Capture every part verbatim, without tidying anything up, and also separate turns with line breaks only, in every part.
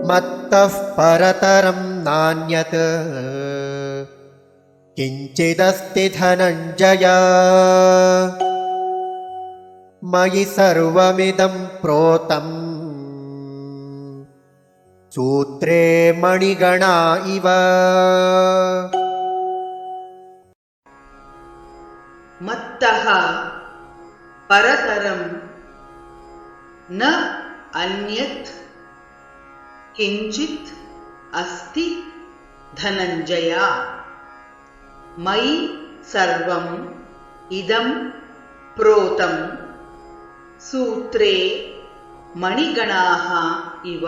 मत्तः परतरं नान्यत् किञ्चिदस्ति धनञ्जय मयि सर्वमिदं प्रोतं सूत्रे मणिगणा इव।
मत्तः परतरं न अन्यत् किञ्चित् अस्ति धनञ्जय मयि सर्वम् इदं प्रोतं सूत्रे मणिगणाः इव।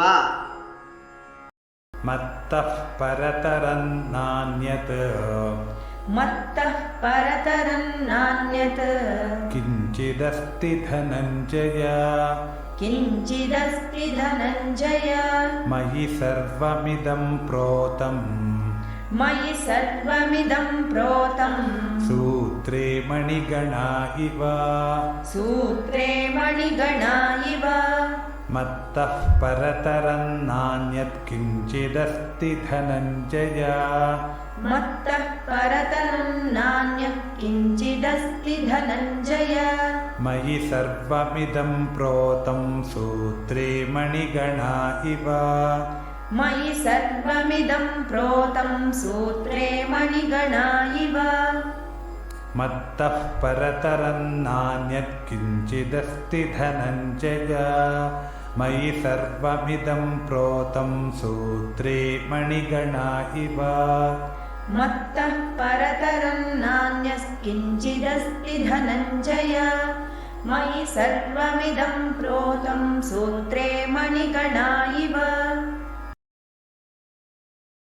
मत्तः परतरं नान्यत्
मत्तः परतरं नान्यत्
किञ्चिदस्ति धनञ्जय
किञ्चिदस्ति धनञ्जय
मयि सर्वमिदं प्रोतं
मयि सर्वमिदं प्रोतं
सूत्रे मणिगणा इव।
सूत्रे मणिगणा इव।
मत्तः परतरं नान्यत् किञ्चिदस्ति धनञ्जय
मत्तः परतरं नान्यत् किञ्चिदस्ति धनञ्जय
मयि सर्वमिदं प्रोतं सूत्रे मणिगणा इव।
मयि सर्वमिदं प्रोतं सूत्रे मणिगणा इव।
मत्तः परतरं नान्यत् किञ्चिदस्ति धनञ्जय मयि सर्वमिदं प्रोतं सूत्रे मणिगणा इव।
मत्तः परतरं नान्यत् किञ्चिदस्ति धनञ्जय मयि सर्वमिदं प्रोतं सूत्रे मणिगणा इव।